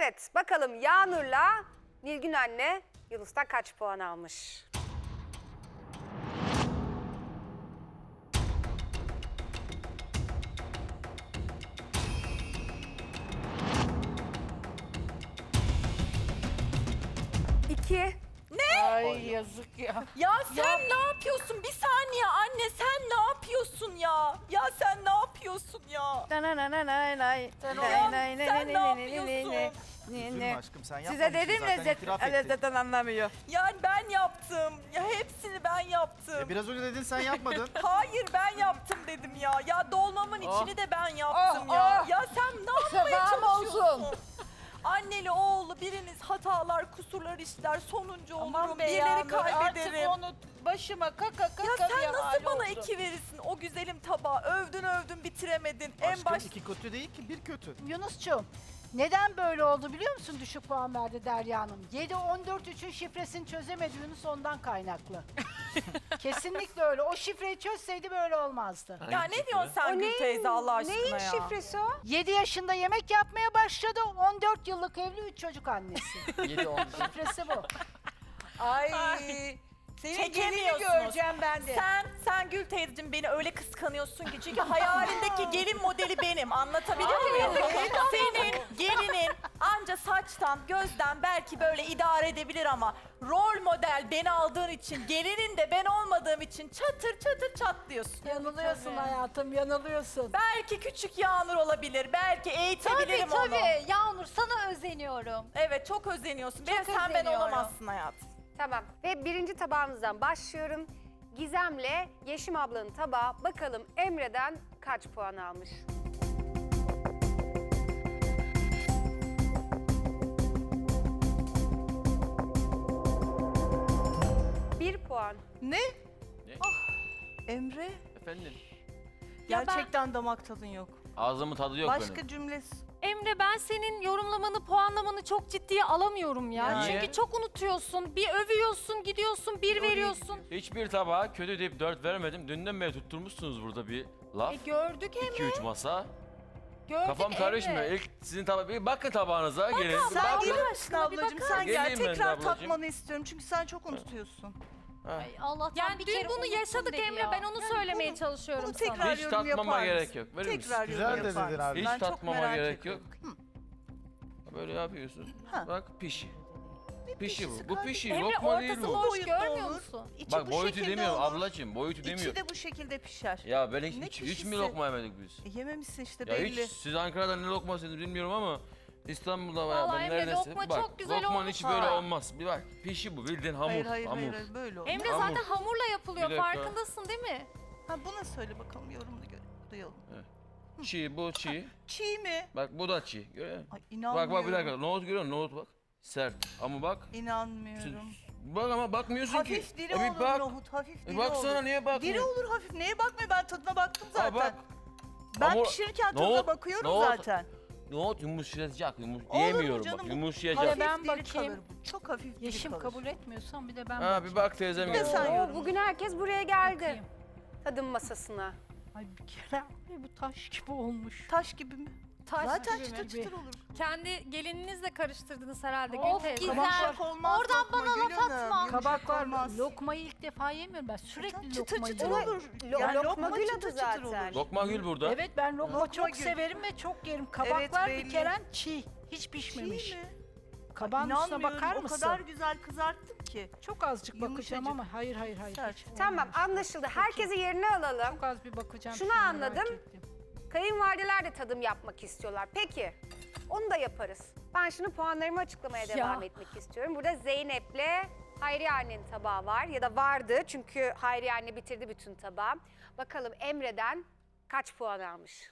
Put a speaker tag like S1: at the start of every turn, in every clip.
S1: Evet, bakalım Yağnur'la Nilgün anne Yunus'tan kaç puan almış? İki.
S2: Ay yazık ya.
S3: Ya sen ne yapıyorsun? Bir saniye anne sen ne yapıyorsun ya? Ya sen ne yapıyorsun ya?
S2: Sen
S3: ne yapıyorsun?
S4: Üzülme aşkım sen yapmamışsın
S2: Size dedim
S4: zaten
S2: lezzet,
S4: itiraf ettin.
S2: lezzetten anlamıyor.
S3: Yani ben yaptım. Ya hepsini ben yaptım.
S4: Biraz önce dedin sen yapmadın.
S3: Hayır ben yaptım dedim ya. Ya dolmamın
S4: Oh.
S3: içini de ben yaptım
S2: Oh,
S3: ya.
S2: oh.
S3: Ya sen ne yapmaya
S2: Selam
S3: çalışıyorsun?
S2: olsun.
S3: Anneli oğlu biriniz hatalar, kusurlar işler, sonuncu olurum,
S2: Aman be
S3: birileri
S2: Yağmur,
S3: kaybederim.
S2: artık onu başıma kaka
S3: Ya sen
S2: bir
S3: nasıl
S2: hal
S3: bana
S2: oldu.
S3: 2 verirsin o güzelim tabağı? Övdün bitiremedin. En
S4: Aşkım
S3: baş
S4: iki kötü değil ki bir kötü.
S5: Yunus'cum, neden böyle oldu biliyor musun düşük puan verdi Derya Hanım? 7-14-3'ün şifresini çözemedi Yunus ondan kaynaklı. Kesinlikle öyle. O şifreyi çözseydi böyle olmazdı.
S3: Ya ne diyorsun sen Gül teyze Allah aşkına
S1: neyin
S3: ya?
S1: şifresi o?
S5: 7 yaşında yemek yapmaya başladı. 14 yıllık evli 3 çocuk annesi.
S2: 7-10.
S5: Şifresi bu.
S2: Ay. Senin gelini
S3: Çekemiyorsunuz.
S2: göreceğim ben de.
S3: Sen Gül teyzeciğim beni öyle kıskanıyorsun ki çünkü hayalindeki gelin modeli benim. Anlatabiliyor muyum? Senin gelinin anca saçtan, gözden belki böyle idare edebilir ama rol model beni aldığın için, gelinin de ben olmadığım için çatır çatır çatlıyorsun.
S5: Yanılıyorsun hayatım, yanılıyorsun.
S3: Belki küçük Yağnur olabilir, belki eğitebilirim onu.
S6: Tabii Yağmur sana özeniyorum.
S3: Evet çok özeniyorsun. Benim
S6: Çok
S3: sen ben
S6: özeniyorum.
S3: olamazsın hayatım.
S1: Tamam ve birinci tabağımızdan başlıyorum. Gizem'le Yeşim ablanın tabağı bakalım Emre'den kaç puan almış? Bir puan.
S3: Ne?
S7: Ne?
S3: Emre
S7: Efendim?
S3: gerçekten damak tadın yok.
S7: Ağzımın tadı yok benim.
S3: Cümlesi.
S6: Emre ben senin yorumlamanı, puanlamanı çok ciddiye alamıyorum ya.
S7: Niye?
S6: Çünkü çok unutuyorsun. Bir övüyorsun, gidiyorsun, bir veriyorsun.
S7: Hiçbir tabağa kötü deyip 4 vermedim. Dünden beri tutturmuşsunuz burada bir laf.
S6: Gördük Emre.
S7: 2-3 masa.
S6: Gördük
S7: Kafam
S6: Emre.
S7: karışmıyor. İlk sizin tabağa bir bakın tabağınıza gelin.
S6: abla,
S7: Bir
S3: Sen
S7: bakın.
S3: gelir misin ablacığım? Sen gel
S7: Geleyim ben de
S3: tekrar
S7: ablacığım.
S3: tatmanı istiyorum çünkü sen çok unutuyorsun.
S6: Ay, Allah'tan Yani bir dün kere bunu unuttum yaşadık dedi Emre. ya. Ben onu söylemeye çalışıyorum
S3: Bunu
S6: sana.
S3: tekrar
S7: Hiç
S3: yorum
S7: tatmama
S3: yapar
S7: gerek
S3: mısın?
S7: yok. Verir misin?
S3: Tekrar
S4: Güzel
S3: yorum
S4: de
S3: yapar
S4: dedin
S3: mısın?
S4: abi.
S7: Hiç
S3: Ben çok
S7: tatmama
S3: merak
S7: gerek
S3: ediyorum.
S7: Böyle yapıyorsun.
S3: Ha.
S7: Bak pişi. Pişi
S3: pişisi
S7: bu. Bu
S3: kardeşim?
S7: pişi.
S6: Emre
S7: Lokma değil
S6: ortası
S7: bu.
S6: boş
S3: Boyutta
S6: görmüyor
S3: olur.
S6: musun?
S3: İçi
S7: Bak
S3: bu
S7: boyutu
S3: şekilde
S7: demiyorum
S3: olur.
S7: ablacığım. Boyutu
S3: İçi
S7: demiyorum.
S3: de bu şekilde pişer.
S7: Ya ben
S3: Ne
S7: hiç mi
S3: pişisi?
S7: lokma yemedik biz?
S3: Yememişsin işte
S7: Ya
S3: belli.
S7: hiç siz Ankara'da ne lokma yediniz bilmiyorum ama İstanbul'da bayağı
S6: Vallahi
S7: ben
S6: Emre,
S7: neredeyse
S6: lokma
S7: bak
S6: çok güzel
S7: lokmanın
S6: olmuş
S7: içi böyle
S6: ha.
S7: olmaz. Bir bak pişi bu bildiğin hamur.
S3: Hayır,
S7: hamur.
S3: böyle olur.
S6: Emre
S7: Hamur.
S6: zaten hamurla yapılıyor.
S7: Bir dakika.
S6: Farkındasın değil mi?
S3: Ha buna söyle bakalım yorumunu duyalım.
S7: Çiğ bu çiğ.
S3: Çiğ mi?
S7: Bak bu da çiğ. Görüyor musun?
S3: Ay
S7: Bak
S3: inanmıyorum.
S7: bak bir dakika. Nohut görüyor musun? Nohut bak. Sert. Ama bak.
S3: İnanmıyorum.
S7: Bak ama bakmıyorsun ki.
S3: Hafif diri
S7: bir
S3: olur
S7: bak.
S3: nohut, hafif diri
S7: Baksana
S3: olur.
S7: niye bakmıyorsun?
S3: Diri olur hafif. Neye bakmıyor? Ben tadına baktım zaten.
S7: bak.
S3: Ben
S7: Hamur-
S3: pişirirken tadına
S7: nohut-
S3: bakıyorum
S7: nohut-
S3: zaten.
S7: Nohut yumuşayacak.
S3: Olur
S7: Yiyemiyorum
S3: canım,
S7: bak.
S3: bu
S7: Yumuşayacak.
S5: Hadi
S3: Hafif
S5: ben
S3: diri
S5: bakayım.
S3: kalır bu. Çok hafif diri
S5: Yeşim
S3: kalır.
S5: kabul etmiyorsan bir de ben
S7: Ha
S5: bakayım.
S7: bir bak teyzem
S3: Bir de
S7: geldi.
S3: sen
S1: Oo,
S3: yorumla.
S1: bugün herkes buraya geldi.
S5: Bakayım.
S1: Tadım masasına.
S5: Ay bir kere ay, bu taş gibi olmuş.
S3: Taş gibi mi?
S6: Taş
S3: Zaten
S5: gibi
S3: çıtır
S5: mi?
S3: çıtır olur.
S6: Kendi gelininizle karıştırdınız herhalde
S5: Of,
S6: Gül teyze.
S5: Güzel.
S3: Yumuşak olmaz.
S6: Oradan
S3: lokma
S6: bana laf
S3: Gül Hanım,
S6: atma.
S3: yumuşak
S5: Kabak var.
S3: olmaz.
S5: Lokmayı ilk defa yemiyorum ben. Sürekli
S3: Çıtır
S5: lokma
S3: çıtır
S5: yiyorum.
S3: olur.
S1: Lokma gül adı
S3: çıtır çıtır
S1: zaten.
S3: olur.
S7: Lokma gül burada.
S5: Evet ben lokma
S3: Lokma
S5: çok
S3: gül.
S5: severim ve çok yerim. Kabaklar
S3: Evet,
S5: bir
S3: belli.
S5: kere çiğ. Hiç pişmemiş.
S3: Çiğ mi?
S5: Kabağın üstüne
S3: İnanmıyorum,
S5: bakar
S3: o
S5: mısın?
S3: kadar güzel kızarttım ki.
S5: Çok azıcık bakacağım
S3: Yumuşacık.
S5: ama hayır hayır hayır.
S3: Sert.
S5: hiç
S1: Tamam
S5: olmamış.
S1: anlaşıldı. Herkesi yerine alalım.
S5: Çok az bir bakacağım.
S1: Şunu
S5: şimdi, merak
S1: anladım.
S5: ettim.
S1: Kayınvalideler de tadım yapmak istiyorlar. Peki onu da yaparız. Ben şimdi puanlarımı açıklamaya devam etmek istiyorum. Burada Zeynep'le Hayriye annenin tabağı var ya da vardı çünkü Hayriye anne bitirdi bütün tabağı. Bakalım Emre'den kaç puan almış?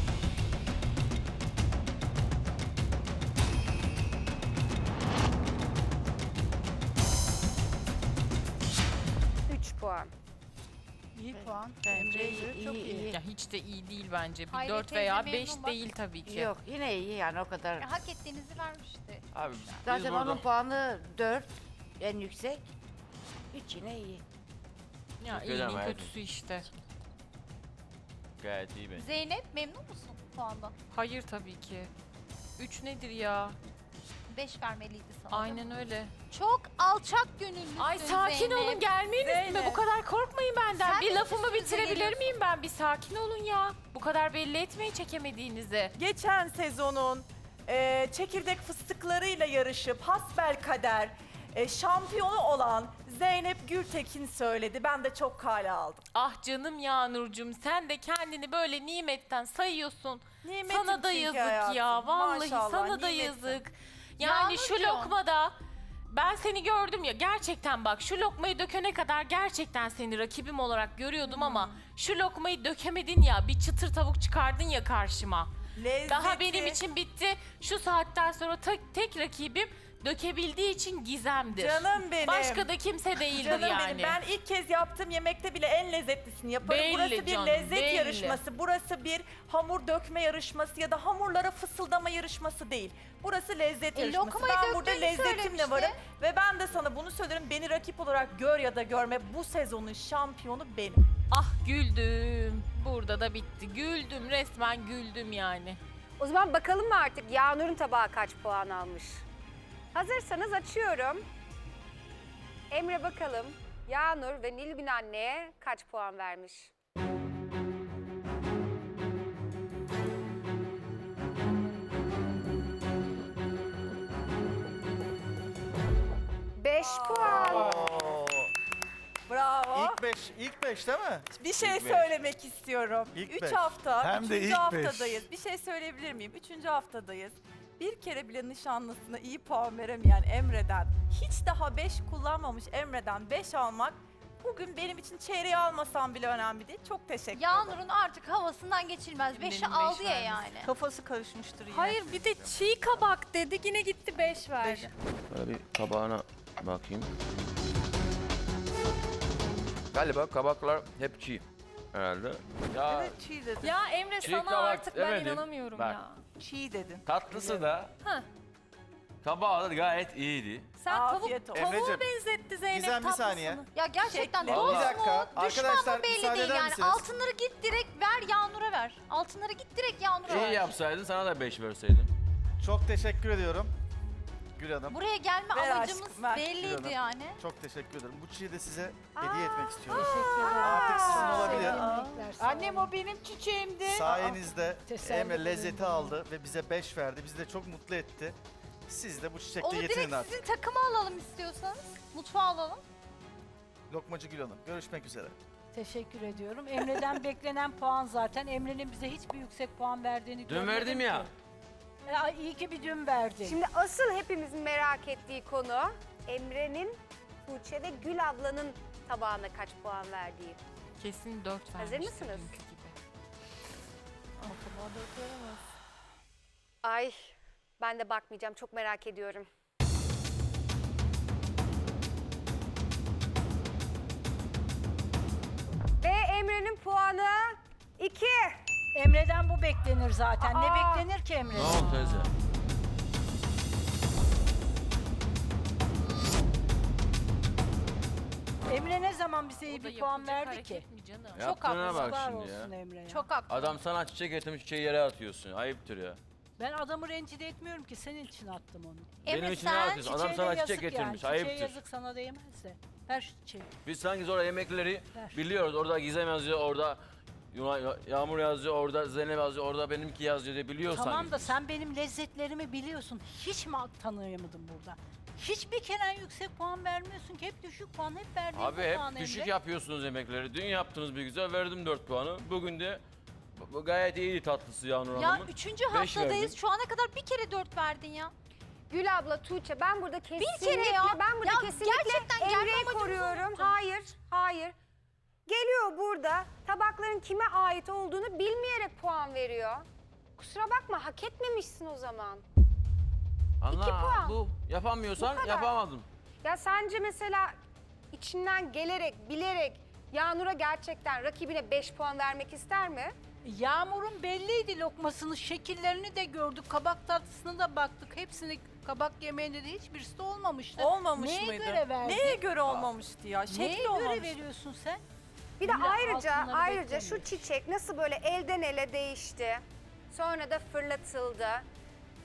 S1: Üç puan.
S5: İyi puan.
S2: Bence
S5: Emre çok iyi.
S8: Ya hiç de iyi değil bence. Bir
S6: Hayri
S8: 4
S6: teyze
S8: veya
S6: memnun
S8: 5
S6: bak.
S8: değil tabii ki.
S2: Yok yine iyi yani o kadar.
S6: Hak ettiğinizi vermişti.
S7: Abi biz
S2: Zaten
S7: burada
S2: onun puanı 4 en yüksek. 3 yine iyi.
S8: Ya
S7: Çok
S8: iyinin
S7: önemli.
S8: kötüsü işte.
S7: gayet iyi bence.
S6: Zeynep memnun musun puandan?
S8: Hayır tabii ki. 3 nedir ya?
S6: 5 vermeliydi sana.
S8: Aynen öyle.
S6: Çok alçak gönüllüsün
S8: Ay sakin
S6: Zeynep.
S8: olun, gelmeyin üstüme.
S3: Zeynep.
S8: Bu kadar korkmayın benden.
S6: Sen
S8: bir
S6: de
S8: lafımı
S6: üstümüze
S8: bitirebilir
S6: geliyorsun.
S8: miyim ben? Bir sakin olun ya. Bu kadar belli etmeyin çekemediğinizi.
S3: Geçen sezonun çekirdek fıstıklarıyla yarışıp hasbelkader şampiyonu olan Zeynep Gültekin söyledi. Ben de çok kale aldım.
S8: Ah canım Yağnurcuğum, sen de kendini böyle nimetten sayıyorsun.
S3: Nimetim
S8: Sana da
S3: çünkü
S8: yazık
S3: hayatım.
S8: ya. Vallahi
S3: Maşallah,
S8: sana da
S3: nimetim.
S8: yazık. Yani şu
S6: Yağmurcuğum.
S8: lokmada ben seni gördüm ya, gerçekten bak şu lokmayı dökene kadar gerçekten seni rakibim olarak görüyordum ama şu lokmayı dökemedin ya, bir çıtır tavuk çıkardın ya karşıma.
S3: Lezzeti,
S8: Daha benim için bitti. Şu saatten sonra tek rakibim dökebildiği için Gizem'dir.
S3: Canım benim.
S8: Başka da kimse değildir
S3: Canım
S8: yani.
S3: benim, ben ilk kez yaptığım yemekte bile en lezzetlisini yaparım.
S8: Belli
S3: Burası bir
S8: canım,
S3: lezzet
S8: belli.
S3: yarışması, burası bir hamur dökme yarışması ya da hamurlara fısıldama yarışması değil. Burası lezzet yarışması.
S6: lokmayı
S3: Ben burada
S6: döktüğünü
S3: lezzetimle
S6: söylemişti.
S3: varım ve ben de sana bunu söylerim. Beni rakip olarak gör ya da görme, bu sezonun şampiyonu benim.
S8: Ah güldüm. Burada da bitti. Güldüm, resmen güldüm yani.
S1: O zaman bakalım mı artık Yağnur'un tabağı kaç puan almış? Hazırsanız açıyorum. Emre bakalım Yağnur ve Nilgün anneye kaç puan vermiş? Beş puan.
S4: Oo.
S3: Bravo.
S4: İlk beş değil mi?
S3: Bir şey
S7: İlk beş.
S3: söylemek istiyorum.
S4: İlk
S3: 3
S4: beş.
S3: hafta,
S4: Hem de
S3: 3.
S4: ilk beş.
S3: haftadayız. Bir şey söyleyebilir miyim? 3. haftadayız. Bir kere bile nişanlısına iyi puan veremeyen Emre'den, hiç daha 5 kullanmamış Emre'den 5 almak bugün benim için çeyreği almasam bile önemli değil. Çok teşekkür ederim.
S6: Yağnur'un artık havasından geçilmez. 5'i
S8: Benim
S6: aldı
S8: beş
S6: ya
S8: vermesi.
S6: yani.
S3: Kafası karışmıştır yine.
S6: Hayır bir de çiğ kabak dedik yine gitti 5 verdi.
S7: Böyle bir tabağına bakayım. Galiba kabaklar hep çiğ herhalde. Ya
S3: Evet, çiğ dedin.
S6: Ya Emre
S7: Çiğ
S6: sana
S7: kabak
S6: artık ben
S7: demedim.
S6: inanamıyorum
S7: Bak.
S6: ya.
S3: Çiğ dedin.
S7: tatlısı da
S6: Heh.
S7: tabağı da gayet iyiydi.
S6: Sen
S3: Afiyet olsun.
S6: tavuğa
S4: Emreciğim,
S6: benzetti Zeynep
S4: Gizem, bir
S6: tatlısını.
S4: saniye.
S6: Ya gerçekten
S3: Şekli.
S6: dost
S7: Bir
S4: dakika,
S6: mu, düşman
S4: arkadaşlar,
S6: mı belli
S4: müsaade
S6: değil
S4: eder
S6: yani.
S4: misiniz?
S6: Altınları git direkt ver Yağnur'a ver. Altınları git direkt Yağnur'a
S7: İyi
S6: ver.
S7: yapsaydın sana da 5 verseydim.
S4: Çok teşekkür ediyorum. Gül Hanım.
S6: Buraya gelme
S3: Ver
S6: amacımız
S3: aşkım, ver.
S6: belliydi
S4: Buyurun.
S6: yani.
S4: Çok teşekkür ederim. Bu çiği de size hediye etmek istiyorum.
S5: Teşekkür ederim.
S4: Artık sizin olabilir.
S5: Sevimlilikler, sağ
S2: Annem
S5: olun.
S2: o benim çiçeğimdi.
S4: Sayenizde
S5: Teselli
S4: Emre
S5: ederim.
S4: lezzeti aldı ve bize 5 verdi. Bizi de çok mutlu etti. Siz de bu çiçekle
S6: Onu
S4: yetinin
S6: direkt
S4: artık.
S6: sizin takıma alalım istiyorsanız. Mutfağa alalım.
S4: Lokmacı Gül Hanım. Görüşmek üzere.
S5: Teşekkür ediyorum. Emre'den beklenen puan zaten. Emre'nin bize hiçbir yüksek puan verdiğini
S7: Dün
S5: görmedim
S7: verdim
S5: ki.
S7: ya.
S5: İyi ki bir dün verdin.
S1: Şimdi asıl hepimizin merak ettiği konu Emre'nin Tuğçe ve Gül ablanın tabağına kaç puan verdiği.
S8: Kesin 4 vermiştir.
S1: Hazır mısınız?
S8: dünkü gibi.
S1: Ay ben de bakmayacağım çok merak ediyorum. Ve Emre'nin puanı 2.
S5: Emre'den bu beklenir zaten. Ne
S1: Aa!
S5: beklenir ki
S7: Ne
S5: Emre'den?
S7: oldu teyze?
S5: Emre ne zaman bize iyi
S8: O da
S5: bir puan
S8: yapılacak
S5: verdi ki?
S8: hareket mi canım?
S7: Yaptığına
S5: Yazıklar
S7: bak şimdi
S5: olsun
S7: ya.
S5: Emre'ye.
S6: Çok haklı.
S7: Adam sana çiçek getirmiş, çiçeği yere atıyorsun. Ayıptır ya.
S5: Ben adamı rencide etmiyorum ki. Senin için attım onu.
S6: Emre
S7: Benim için ne
S6: sen
S7: atıyorsun? Adam
S5: Çiçeğine
S7: sana
S5: yazık
S7: çiçek getirmiş.
S5: Çiçeğe
S7: Ayıptır.
S5: yazık sana değmez de. Ver şu çiçeği.
S7: Biz sanki sonra yemekleri
S5: Ver.
S7: biliyoruz. Orada Gizem yazıyor, orada Yağmur yazıyor, orada Zeynep yazıyor, orada benimki yazıyor diye biliyoruz
S5: Tamam
S7: sanki.
S5: da sen benim lezzetlerimi biliyorsun. Hiç mi tanıyamadım burada? Hiçbir kere yüksek puan vermiyorsun ki. Hep düşük puan, hep verdiğin
S7: Abi
S5: bu
S7: hep
S5: puan
S7: düşük
S5: Emre.
S7: yapıyorsunuz yemekleri. Dün yaptınız bir güzel, verdim 4 puanı. Bugün de bu gayet iyiydi tatlısı Yağmur
S6: Ya
S7: Hanım'ın.
S6: 3.
S7: Beş
S6: haftadayız.
S7: verdin.
S6: Şu ana kadar bir kere 4 verdin ya.
S1: Gül abla, Tuğçe ben burada kesinlikle
S6: kere ya.
S1: ben burada
S6: Ya
S1: kesinlikle
S6: gerçekten gelme
S1: Emre'yi
S6: amacımızı
S1: koruyorum.
S6: unuttun.
S1: Hayır. Geliyor burada tabakların kime ait olduğunu bilmeyerek puan veriyor. Kusura bakma hak etmemişsin o zaman.
S7: Anla,
S1: puan.
S7: bu yapamıyorsan
S1: Bu kadar.
S7: yapamadım.
S1: Ya sence mesela içinden gelerek, bilerek Yağnur'a gerçekten rakibine 5 puan vermek ister mi?
S5: Yağmur'un belliydi lokmasının şekillerini de gördük. Kabak tatlısına da baktık. Hepsini kabak yemeğinde de hiçbirisi de olmamıştı.
S3: Olmamış
S5: Neye
S3: mıydı?
S5: göre verdin?
S3: Neye göre olmamıştı ya?
S5: Neye
S3: Şekli
S5: göre
S3: olmamış.
S5: veriyorsun sen?
S1: Bir de
S5: İlla
S1: ayrıca
S5: altınları
S1: şu
S5: beklemiyor.
S1: çiçek nasıl böyle elden ele değişti. Sonra da fırlatıldı.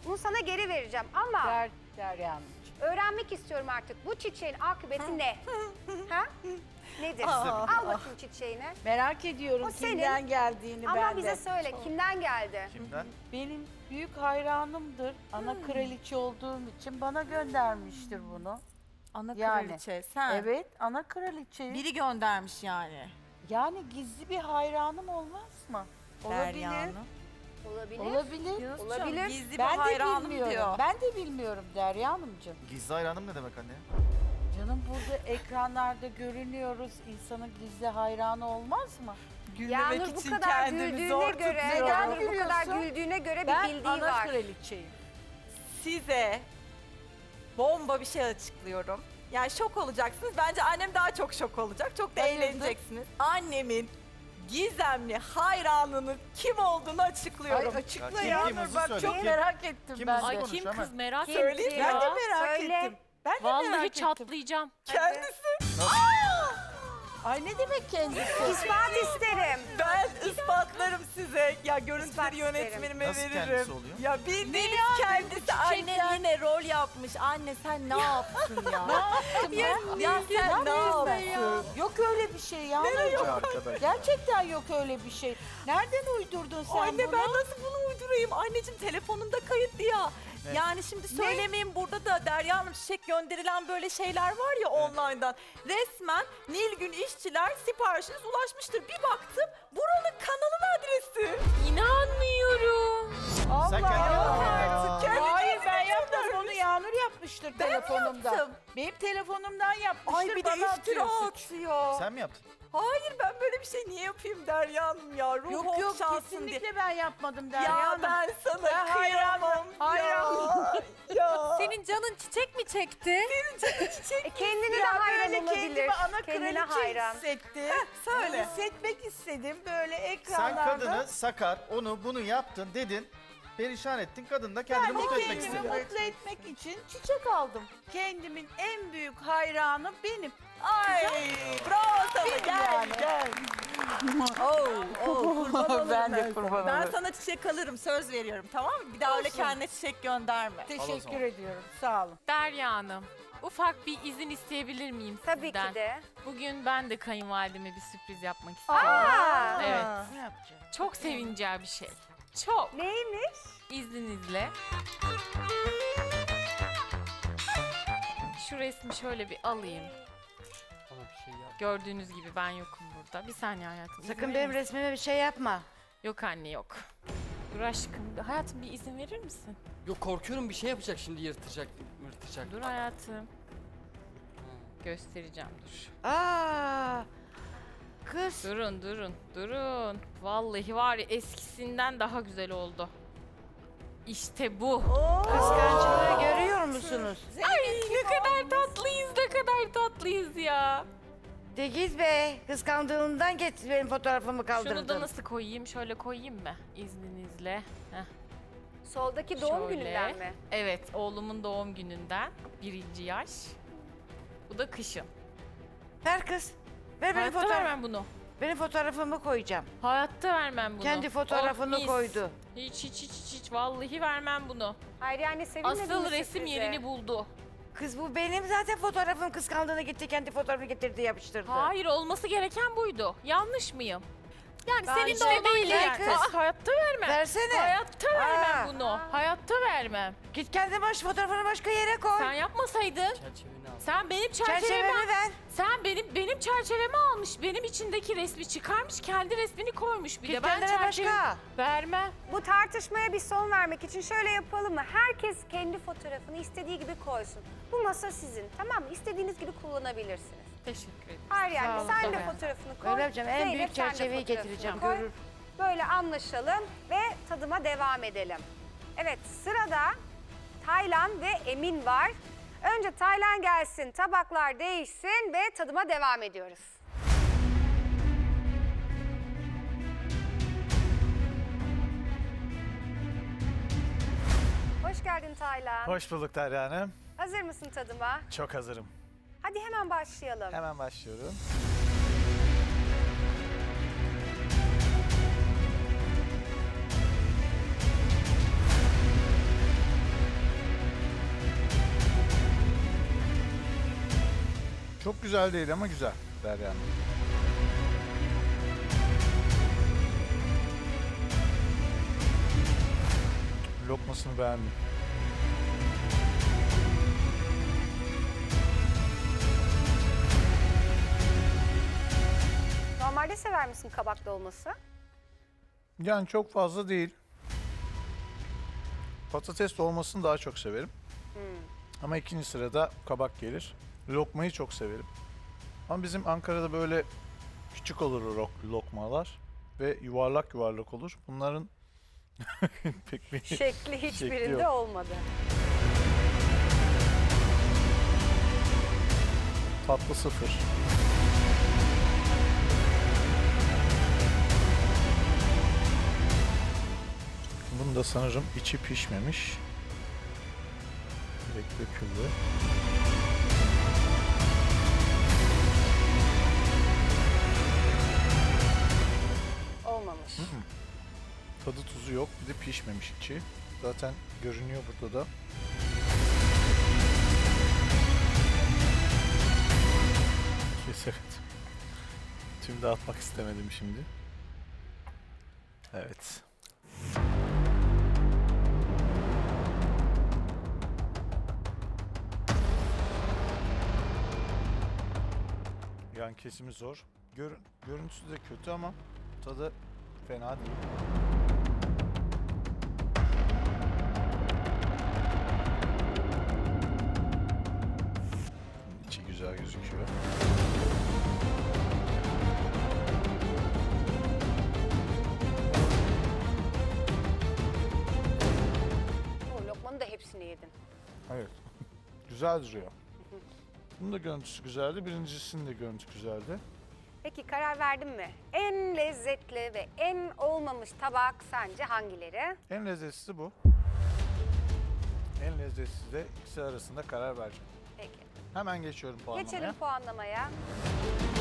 S1: Bunu sana geri vereceğim ama
S5: Derya Hanım.
S1: öğrenmek istiyorum artık. Bu çiçeğin akıbeti ne? Ha? Nedir? Al bakayım çiçeğini.
S5: Merak ediyorum
S1: O senin.
S5: kimden geldiğini
S1: Ama
S5: ben de.
S1: bize söyle kimden geldi?
S4: Kimden?
S5: Benim büyük hayranımdır. Ana kraliçe olduğum için bana göndermiştir bunu.
S3: Ana
S5: Yani,
S3: kraliçe sen.
S5: Evet, ana kraliçe.
S3: Biri göndermiş yani.
S5: Yani gizli bir hayranım olmaz mı?
S3: Derya
S5: Olabilir.
S3: Hanım.
S1: Olabilir.
S5: Olabilir.
S1: Olabilir.
S3: Gizli bir
S5: Ben de
S3: hayranım
S5: bilmiyorum.
S3: diyor.
S5: Ben de bilmiyorum Derya Hanımcığım.
S4: Gizli hayranım ne demek anne?
S5: Canım burada ekranlarda görünüyoruz. İnsanın gizli hayranı olmaz mı?
S1: Yağnur bu kadar güldüğüne göre,
S5: tutuyorum.
S1: Yağnur bu
S5: Neden
S1: kadar
S5: gülüyorsun?
S1: güldüğüne göre bir
S5: Ben
S1: bildiği
S5: ana
S1: var.
S5: kraliçeyim.
S3: Size bomba bir şey açıklıyorum. Yani şok olacaksınız. Bence annem daha çok şok olacak. Çok da
S5: Hayırdır?
S3: eğleneceksiniz. Annemin gizemli hayranının kim olduğunu açıklıyorum.
S5: Ay açıkla
S4: Ya,
S5: ya.
S4: kim hızlı
S5: Bak
S4: söyle,
S5: çok
S4: kim?
S5: merak ettim
S4: Kim
S5: ben
S4: hızlı
S5: de.
S8: Ay
S4: konuş
S8: kim
S4: hemen.
S8: kız merak
S3: Söyleyeyim
S8: ettim
S3: ben
S8: ya.
S3: de merak
S1: Söyle.
S3: ettim. Ben de
S8: Vallahi
S3: merak ettim.
S8: çatlayacağım.
S3: Kendisi.
S5: Ay ne demek kendisi?
S1: İspat isterim.
S3: Ben ispatlarım size. Ya görüntüleri
S1: İspat isterim.
S3: yönetmenime
S4: Nasıl
S3: veririm.
S4: kendisi oluyor?
S3: Ya bildiğiniz kendisi anne yine rol yapmış. Anne sen ne yaptın ya? ya sen ne yaptın?
S5: Yok öyle bir şey ya.
S4: Arkadaş.
S5: Gerçekten yok öyle bir şey. Nereden uydurdun sen
S3: Anne
S5: bunu?
S3: ben nasıl bunu uydurayım? Anneciğim telefonunda kayıtlı ya.
S4: Ne?
S3: Yani şimdi söylemeyeyim burada da Derya Hanım çiçek gönderilen böyle şeyler var ya online'dan. Resmen Nilgün işçiler siparişiniz ulaşmıştır. Bir baktım buranın kanalın adresi.
S8: İnanmıyorum.
S5: Allah
S4: Sen kendin
S5: Allah.
S4: yaptın.
S3: Kendi
S5: Hayır ben
S3: kendine
S5: yapmadım
S3: göndermiş.
S5: onu Yağmur yapmıştır
S3: Ben mi
S5: telefonumdan.
S3: yaptım?
S5: Benim telefonumdan yapmıştır
S3: Ay bir de
S5: bana
S3: iftira
S5: atıyorsun.
S3: atıyor.
S4: Sen mi yaptın?
S3: Hayır ben böyle bir şey niye yapayım Derya Hanım ya? Ruh
S5: Yok yok
S3: okşansın diye.
S5: kesinlikle ben yapmadım Derya
S3: Ya
S5: Hanım.
S3: ben sana
S5: Ben
S3: kıyamam
S5: hayranım.
S3: ya.
S6: Senin canın çiçek mi çekti?
S1: Kendine de
S5: Ya
S1: hayran
S5: böyle
S1: olabilir.
S5: kendimi ana
S1: Kendine
S5: kraliçe
S1: hayran.
S5: hissettim.
S3: söyle.
S5: Hissetmek istedim böyle
S4: Sen
S5: ekranlarda.
S4: kadını sakar, onu bunu yaptın dedin. Perişan ettin. Kadın da kendini
S5: Ben de
S4: mutlu etmek
S5: kendimi
S4: istedi.
S5: mutlu etmek için çiçek aldım. Kendimin en büyük hayranı benim.
S3: Ay bravo sana gel
S5: Yani.
S3: gel. Kurban olurum
S5: Ben de kurban
S3: Ben
S5: olurum.
S3: sana çiçek alırım söz veriyorum tamam mı? Bir daha öyle
S5: Olsun.
S3: kendine çiçek gönderme.
S5: Teşekkür ediyorum. Sağ olun.
S8: Derya Hanım, ufak bir izin isteyebilir miyim
S1: Tabii
S8: sizden?
S1: ki de.
S8: Bugün ben de kayınvalideme bir sürpriz yapmak istiyorum.
S1: Aa,
S8: Evet.
S5: Ne yapacağım?
S8: Çok sevineceği bir şey. Çok.
S1: neymiş?
S8: İzninizle. Şu resmi şöyle bir alayım. Gördüğünüz gibi ben yokum burada. Bir saniye hayatım. izin
S2: Sakın
S8: verir
S2: benim
S8: misin?
S2: resmime bir şey yapma.
S8: Yok anne yok. Dur aşkım. Hayatım bir izin verir misin?
S9: Yok korkuyorum bir şey yapacak şimdi yırtacak.
S8: Dur hayatım. Göstereceğim dur.
S2: Aa, kız.
S8: Durun. Vallahi var ya eskisinden daha güzel oldu. İşte bu.
S2: Kıskançlığı görüyor musunuz?
S8: Ay ne kadar tatlıyız ya.
S2: De git be. Kıskandığından getir benim fotoğrafımı kaldırdın.
S8: Şunu da nasıl koyayım? Şöyle koyayım mı? İzninizle. Heh.
S1: Soldaki doğum
S8: Şöyle.
S1: gününden mi?
S8: Evet, oğlumun doğum gününden. 1. yaş. Bu da kışın.
S2: Ver kız. Ver benim
S8: Hayatta
S2: fotoğraf.
S8: vermem bunu.
S2: Benim fotoğrafımı koyacağım.
S8: Hayatta vermem bunu.
S2: Kendi fotoğrafını
S8: Oh, mis.
S2: koydu.
S8: Hiç. Vallahi vermem bunu.
S1: Hayır yani sevinmedin
S8: Asıl
S1: mi
S8: resim
S1: sürprize?
S8: yerini buldu.
S2: Kız bu benim zaten fotoğrafım kıskandığını gitti kendi fotoğrafını getirdi yapıştırdı.
S8: Hayır, olması gereken buydu. Yanlış mıyım? Yani
S2: Ben
S8: senin de
S2: işte
S8: olman
S2: değil
S8: gereken.
S2: kız.
S8: Hayatta vermem.
S2: Versene.
S8: Hayatta vermem
S2: Aa.
S8: bunu. Hayatta vermem.
S2: Git kendi fotoğrafını başka yere koy.
S8: Sen yapmasaydın.
S9: Çerçeveni al.
S8: Sen benim çerçevemi
S2: Çerçevemi ver.
S8: Sen benim çerçevemi almış. Benim içindeki resmi çıkarmış. Kendi resmini koymuş bir
S2: Git
S8: de. Ben
S2: kendine
S8: çerçeve
S2: başka.
S8: vermem.
S1: Bu tartışmaya bir son vermek için şöyle yapalım mı? Herkes kendi fotoğrafını istediği gibi koysun. Bu masa sizin, tamam mı? İstediğiniz gibi kullanabilirsiniz.
S8: Teşekkür ederim.
S1: Hayır yani
S2: Sağ olun,
S1: sen de
S2: tamam.
S1: fotoğrafını koy.
S2: Öyle yapacağım. En
S1: Zeynep,
S2: büyük
S1: sen de
S2: çerçeveyi
S1: fotoğrafını
S2: getireceğim.
S1: koy.
S2: Görür.
S1: Böyle anlaşalım ve tadıma devam edelim. Evet, sırada Taylan ve Emin var. Önce Taylan gelsin, tabaklar değişsin ve tadıma devam ediyoruz. Hoş geldin Taylan.
S10: Hoş bulduk Derya Hanım.
S1: Hazır mısın tadıma?
S10: Çok hazırım.
S1: Hadi hemen başlayalım.
S10: Hemen başlıyorum. Çok güzel değil ama güzel Derya Hanım. Lokmasını beğendim.
S1: Normalde sever misin kabak dolması?
S10: Yani çok fazla değil. Patates dolmasını daha çok severim. Ama ikinci sırada kabak gelir. Lokmayı çok severim. Ama bizim Ankara'da böyle küçük olur lokmalar ve yuvarlak yuvarlak olur. Bunların pek bir
S1: Şekli hiçbirinde
S10: yok.
S1: olmadı.
S10: Tatlı 0. Bunun da sanırım içi pişmemiş. Direkt döküldü.
S1: Olmamış.
S10: Tadı tuzu yok. Bir de pişmemiş içi. Zaten görünüyor burada da. Kes evet. Tüm dağıtmak istemedim şimdi. Evet. Yan kesimi zor. Görüntüsü de kötü ama tadı fena değil. İçi güzel gözüküyor.
S1: O lokmanın da hepsini yedin.
S10: Evet. Güzel duruyor. Bunun da görüntüsü güzeldi. Birincisinin de görüntüsü güzeldi.
S1: Peki karar verdin mi? En lezzetli ve en olmamış tabak sence hangileri?
S10: En lezzetlisi bu. En lezzetsiz de ikisi arasında karar vereceğim.
S1: Peki.
S10: Hemen geçiyorum puanlamaya.
S1: Geçelim puanlamaya.